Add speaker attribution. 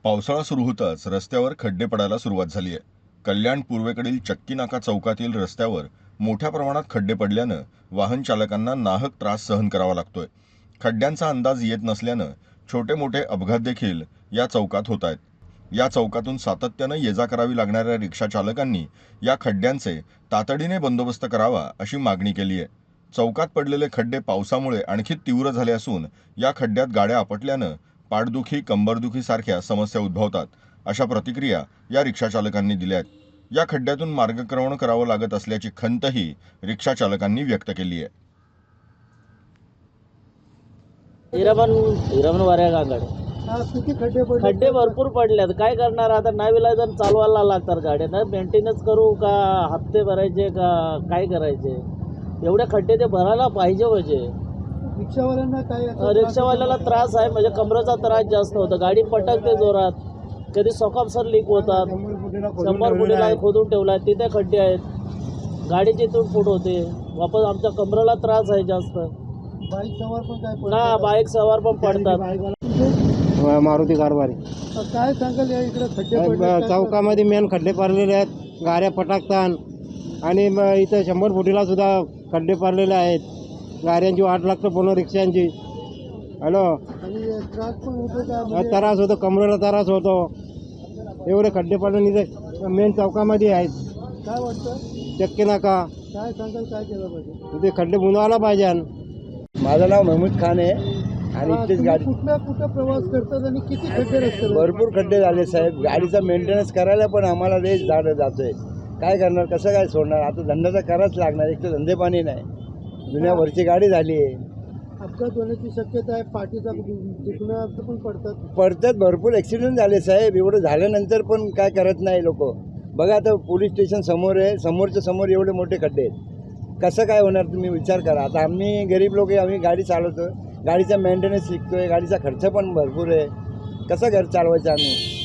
Speaker 1: पावसाळा सुरू होताच रस्त्यावर खड्डे पडायला सुरुवात झाली आहे. कल्याण पूर्वेकडील चक्की नाका चौकातील रस्त्यावर मोठ्या प्रमाणात खड्डे पडल्यानं वाहन चालकांना नाहक त्रास सहन करावा लागतोय. खड्ड्यांचा अंदाज येत नसल्यानं छोटे मोठे अपघात देखील या चौकात होत आहेत. या चौकातून सातत्यानं ये जा करावी लागणाऱ्या रिक्षा चालकांनी या खड्ड्यांचे तातडीने बंदोबस्त करावा अशी मागणी केली आहे. चौकात पडलेले खड्डे पावसामुळे आणखी तीव्र झाले असून या खड्ड्यात गाड्या आपटल्यानं पाठदुखी, कंबरदुखी सारख्या समस्या उद्भवतात, अशा प्रतिक्रिया या रिक्षा चालकांनी दिल्या आहेत. या खड्ड्यातून मार्गक्रमण करावं लागत असल्याची खंतही रिक्षा चालकांनी व्यक्त केली आहे.
Speaker 2: हिरामन वाऱ्या गांगड
Speaker 3: किती खड्डे पडले?
Speaker 2: खड्डे भरपूर पडलेत. काय करणार आता? नाविलाजानं चालवायला लागतात गाड्या. ना मेंटेनन्स करू का हप्ते भरायचे का काय करायचे? एवढे खड्डे ते भरायला पाहिजे म्हणजे.
Speaker 3: रिक्षावाल्यांना काय
Speaker 2: रिक्षावाल्याला त्रास आहे, म्हणजे कमरेचा त्रास जास्त होतो. गाडी पटकते जोरात, कधी सर लीक होतात. 100 फुटीला खोदून ठेवला, तिथे खड्डे आहेत, गाडीची तुटफूट होते. वापस आमच्या कमरेला त्रास आहे जास्त.
Speaker 3: बाईक सवार पण काय
Speaker 2: ना बाईक सवार पण पडतात.
Speaker 4: मारुती कारभारी.
Speaker 3: काय सांगाल या इकडे खड्डे पडले?
Speaker 4: चौकामध्ये मेन खड्डे पडलेले आहेत, गाड्या पटाकतात आणि इथं 100 फुटीला सुद्धा खड्डे पडलेले आहेत. गाड्यांची वाट लागतं, पूर्ण रिक्षांची. हॅलो,
Speaker 3: आणि त्रास पण होतो का?
Speaker 4: त्रास होतो, कमरेला त्रास होतो. एवढे खड्डे पडून इथे मेन चौकामध्ये आहेत.
Speaker 3: काय वाटतं?
Speaker 4: चक्की नाका
Speaker 3: काय सांगाल, काय केलं पाहिजे?
Speaker 4: ते खड्डे बुंदवायला पाहिजे.
Speaker 5: माझं नाव महमूद खान आहे आणि इथेच
Speaker 3: तुम्ही
Speaker 5: गाडी
Speaker 3: कुठं प्रवास करतात आणि किती खड्डे रस्त्यावर?
Speaker 5: भरपूर खड्डे झाले साहेब. गाडीचा मेंटेनन्स करायला पण आम्हाला रेस जातोय. काय करणार, कसं काय सोडणार? आता धंदा तर करायच लागणार. एक तर धंदे पाणी नाही, दुनियाभरची गाडी झाली आहे.
Speaker 3: अपघात होण्याची शक्यता आहे. पाठीचा दुखणं पण
Speaker 5: पडतात, भरपूर ॲक्सिडेंट झाले साहेब. एवढं झाल्यानंतर पण काय करत नाही लोक. बघा आता पोलीस स्टेशन समोर आहे, समोरच्या समोर एवढे मोठे खड्डे आहेत. कसं काय होणार तुम्ही विचार करा. आता आम्ही गरीब लोक आहे, आम्ही गाडी चालवतो, गाडीचा मेंटेनन्स शिकतोय, गाडीचा खर्च पण भरपूर आहे. कसं घर चालवायचं आम्ही?